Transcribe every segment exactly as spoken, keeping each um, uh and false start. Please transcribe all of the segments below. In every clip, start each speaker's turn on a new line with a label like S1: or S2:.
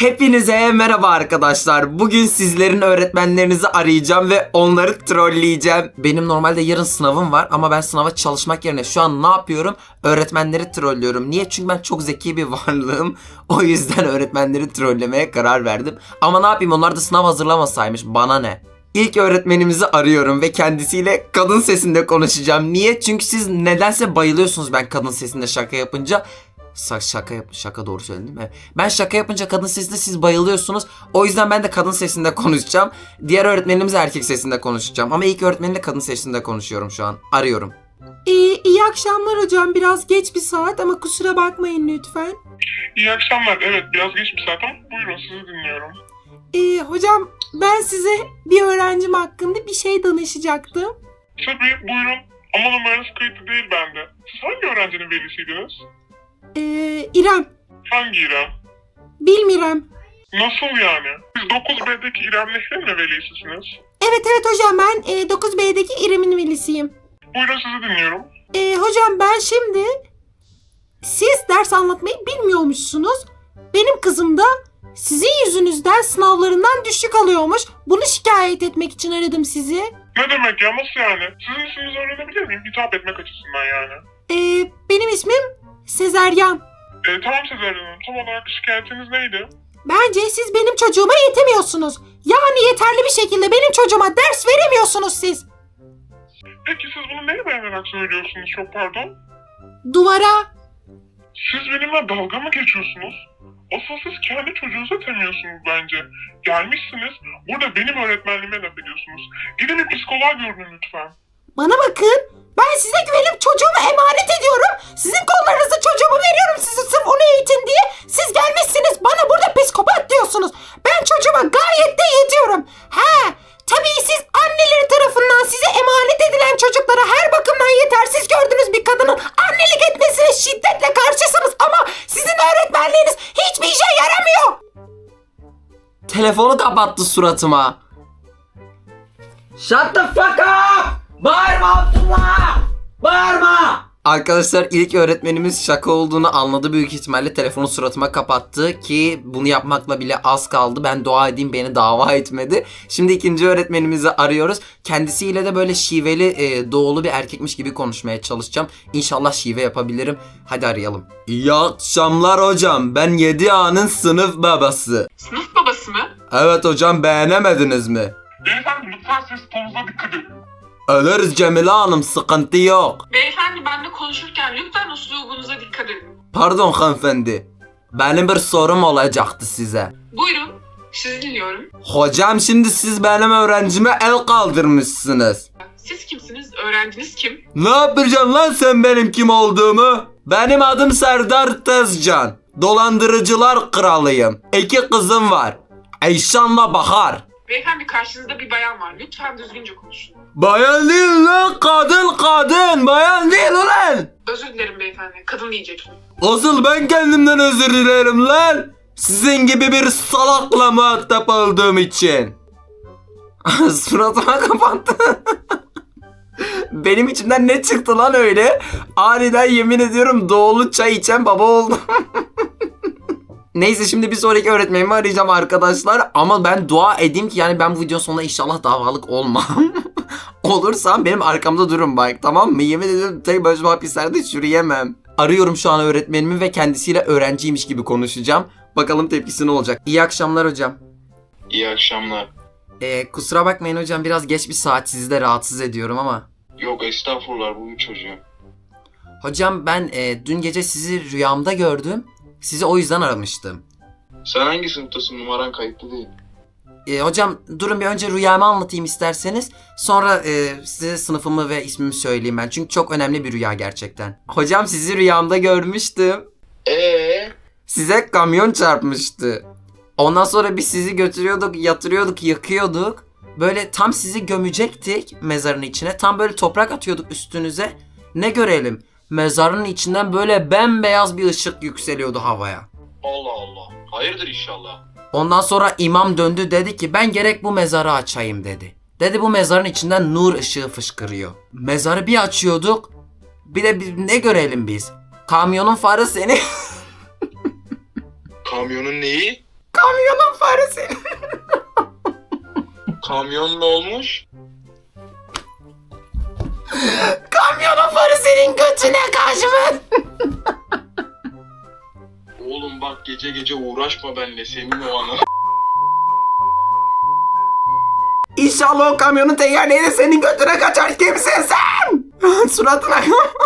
S1: Hepinize merhaba arkadaşlar. Bugün sizlerin öğretmenlerinizi arayacağım ve onları trolleyeceğim. Benim normalde yarın sınavım var ama ben sınava çalışmak yerine şu an ne yapıyorum? Öğretmenleri trollüyorum. Niye? Çünkü ben çok zeki bir varlığım. O yüzden öğretmenleri trollemeye karar verdim. Ama ne yapayım, onlar da sınav hazırlamasaymış. Bana ne? İlk öğretmenimizi arıyorum ve kendisiyle kadın sesinde konuşacağım. Niye? Çünkü siz nedense bayılıyorsunuz ben kadın sesinde şaka yapınca. Şaka yap şaka doğru söyledim değil mi? Ben şaka yapınca kadın sesinde siz bayılıyorsunuz. O yüzden ben de kadın sesinde konuşacağım. Diğer öğretmenimiz erkek sesinde konuşacağım. Ama ilk öğretmenimle kadın sesinde konuşuyorum şu an. Arıyorum.
S2: İyi, iyi akşamlar hocam. Biraz geç bir saat ama kusura bakmayın lütfen.
S3: İyi akşamlar. Evet, biraz geç bir saat ama buyurun, sizi dinliyorum.
S2: Ee, hocam ben size bir öğrencim hakkında bir şey danışacaktım.
S3: Tabii, buyurun. Ama numaranız kayıtlı değil bende. Siz hangi öğrencinin velisiydiniz?
S2: Ee, İrem.
S3: Hangi İrem?
S2: Bilmirem.
S3: Nasıl yani? Siz dokuz B'deki İrem Nehri'nin mi velisisiniz?
S2: Evet evet hocam, ben e, dokuz B'deki İrem'in velisiyim.
S3: Buyurun, sizi dinliyorum.
S2: Ee, hocam ben şimdi... Siz ders anlatmayı bilmiyormuşsunuz. Benim kızım da sizin yüzünüzden sınavlarından düşük alıyormuş. Bunu şikayet etmek için aradım sizi.
S3: Ne demek ya, nasıl yani? Sizin isminizi öğrenebilir miyim? Hitap etmek açısından yani.
S2: Ee, benim ismim Sezeryan.
S3: Ee, tamam Sezer Hanım, tam olarak şikayetiniz neydi?
S2: Bence siz benim çocuğuma yetemiyorsunuz. Yani yeterli bir şekilde benim çocuğuma ders veremiyorsunuz siz.
S3: Peki siz bunu neye dayanarak söylüyorsunuz, çok pardon?
S2: Duvara.
S3: Siz benimle dalga mı geçiyorsunuz? Asıl siz kendi çocuğunuza temiyorsunuz bence. Gelmişsiniz, burada benim öğretmenliğime laf ediyorsunuz. Gidin bir psikoloğa görün lütfen.
S2: Bana bakın. Ben size güvenip çocuğumu emanet ediyorum. Sizin kollarınızı çocuğumu veriyorum size sırf onu eğitin diye. Siz gelmişsiniz bana burada psikopat diyorsunuz. Ben çocuğuma gayet de yetiyorum. He, tabii siz anneleri tarafından size emanet edilen çocuklara her bakımdan yetersiz gördüğünüz bir kadının annelik etmesine şiddetle karşısınız. Ama sizin öğretmenliğiniz hiçbir işe yaramıyor.
S1: Telefonu kapattı suratıma. Shut the fuck up! Bağırma Abdullah! Bağırma! Arkadaşlar, ilk öğretmenimiz şaka olduğunu anladı büyük ihtimalle, telefonu suratıma kapattı ki bunu yapmakla bile az kaldı. Ben dua edeyim beni dava etmedi. Şimdi ikinci öğretmenimizi arıyoruz. Kendisiyle de böyle şiveli e, doğulu bir erkekmiş gibi konuşmaya çalışacağım. İnşallah şive yapabilirim. Hadi arayalım. İyi akşamlar hocam. Ben yedi A'nın sınıf babası.
S3: Sınıf babası mı?
S1: Evet hocam, beğenemediniz mi?
S3: Beyefendi lütfen ses tonunuza dikkat edin.
S1: Ölürüz Cemile Hanım, sıkıntı yok.
S4: Beyefendi benimle konuşurken lütfen uslubunuza dikkat edin.
S1: Pardon hanımefendi. Benim bir sorum olacaktı size.
S4: Buyurun, sizi dinliyorum.
S1: Hocam şimdi siz benim öğrencime el kaldırmışsınız.
S4: Siz kimsiniz? Öğrenciniz kim?
S1: Ne yapacaksın lan sen benim kim olduğumu? Benim adım Serdar Tezcan. Dolandırıcılar kralıyım. İki kızım var. Eyşan'la Bahar.
S4: Beyefendi karşınızda bir bayan var. Lütfen düzgünce konuşun.
S1: Bayan değil lan, kadın kadın. Bayan değil ulan.
S4: Özür dilerim beyefendi. Kadın diyecektim.
S1: Asıl ben kendimden özür dilerim lan. Sizin gibi bir salakla muhatap olduğum için. Suratıma kapattı. Benim içimden ne çıktı lan öyle? Aniden yemin ediyorum doğulu çay içen baba oldum. Neyse, şimdi bir sonraki öğretmenimi arayacağım arkadaşlar. Ama ben dua edeyim ki yani ben bu videonun sonunda inşallah davalık olmam. Olursam benim arkamda durun bak, tamam mı? Yemin ediyorum tek başıma hapislerde çürüyemem. Arıyorum şu an öğretmenimi ve kendisiyle öğrenciymiş gibi konuşacağım. Bakalım tepkisi ne olacak. İyi akşamlar hocam.
S5: İyi akşamlar.
S1: Ee, kusura bakmayın hocam, biraz geç bir saat, sizi de rahatsız ediyorum ama.
S5: Yok estağfurullah, bu bir çocuğum.
S1: Hocam ben e, dün gece sizi rüyamda gördüm. Sizi o yüzden aramıştım.
S5: Sen hangi sınıftasın? Numaran kayıtlı değil.
S1: E, hocam durun bir önce rüyamı anlatayım isterseniz. Sonra e, size sınıfımı ve ismimi söyleyeyim ben. Çünkü çok önemli bir rüya gerçekten. Hocam sizi rüyamda görmüştüm.
S5: Ee?
S1: Size kamyon çarpmıştı. Ondan sonra biz sizi götürüyorduk, yatırıyorduk, yakıyorduk. Böyle tam sizi gömecektik mezarın içine. Tam böyle toprak atıyorduk üstünüze. Ne görelim? Mezarın içinden böyle bembeyaz bir ışık yükseliyordu havaya.
S5: Allah Allah. Hayırdır inşallah.
S1: Ondan sonra imam döndü, dedi ki ben gerek bu mezarı açayım dedi. Dedi bu mezarın içinden nur ışığı fışkırıyor. Mezarı bir açıyorduk. Bir de bir, ne görelim biz? Kamyonun farı seni...
S5: Kamyonun neyi?
S1: Kamyonun farı senin.
S5: Kamyon ne olmuş?
S1: Kamyonun farı senin götüne kaçmış.
S5: Oğlum bak gece gece uğraşma benimle senin o anı.
S1: İnşallah o kamyonun tekerleği de senin götüne kaçar. Kimsin sen? Suratına.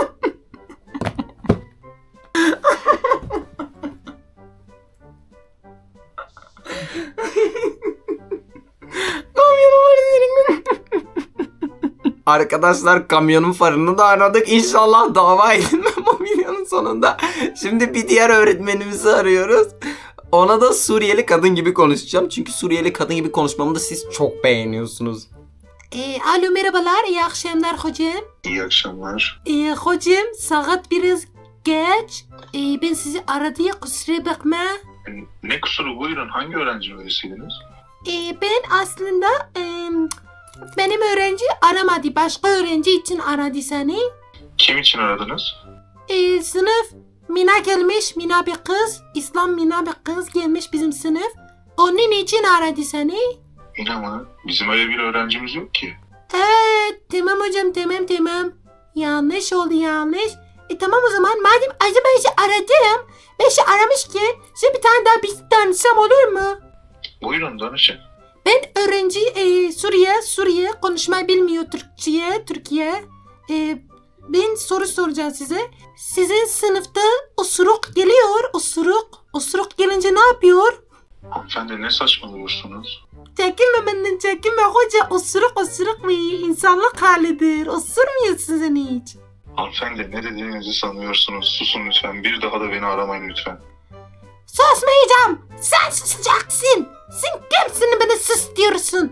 S1: Kamyonun farı senin. Arkadaşlar kamyonun farını da aradık. İnşallah dava edilmem bu videonun sonunda. Şimdi bir diğer öğretmenimizi arıyoruz. Ona da Suriyeli kadın gibi konuşacağım. Çünkü Suriyeli kadın gibi konuşmamı da siz çok beğeniyorsunuz.
S2: E, alo merhabalar, iyi akşamlar hocam.
S3: İyi akşamlar.
S2: E, hocam saat biraz geç. E, ben sizi aradım, kusura bakma.
S3: Ne kusuru, buyurun, hangi öğrenci velisiydiniz?
S2: E, ben aslında e, benim öğrenci aramadı, başka öğrenci için aradı seni.
S3: Kim için aradınız?
S2: E, sınıf Mina gelmiş, Mina bir kız, İslam Mina bir kız gelmiş bizim sınıf. Onun için aradı seni.
S3: Yine mi? Bizim öyle bir öğrencimiz yok ki.
S2: Evet, tamam hocam, tamam tamam. Yanlış oldu, yanlış. E tamam o zaman, madem acaba ben şey aradım, ben şey aramışken size bir tane daha bir tanışsam olur mu?
S3: Buyurun, danışın.
S2: Ben öğrenci e, Suriye, Suriye konuşmayı bilmiyor Türkçe'ye, Türkiye. E, ben soru soracağım size. Sizin sınıfta osuruk geliyor, osuruk. Osuruk gelince ne yapıyor?
S3: Hanımefendi ne saçmalıyorsunuz?
S2: Çekinme benden, çekinme hoca. Osuruk osuruk bir insanlık halidir. Osurmuyor sizin hiç.
S3: Hanımefendi ne dediğinizi sanıyorsunuz? Susun lütfen. Bir daha da beni aramayın lütfen.
S2: Susmayacağım. Sen susacaksın. Sen kimsin bana sus diyorsun?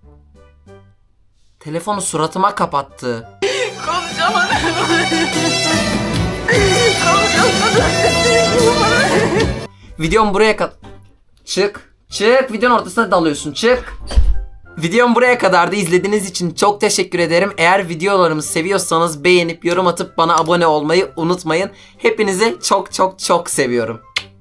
S1: Telefonu suratıma kapattı. Videom buraya kadar... Çık. Çık. Videonun ortasına dalıyorsun. Çık. Videom buraya kadar da izlediğiniz için çok teşekkür ederim. Eğer videolarımı seviyorsanız beğenip yorum atıp bana abone olmayı unutmayın. Hepinizi çok çok çok seviyorum.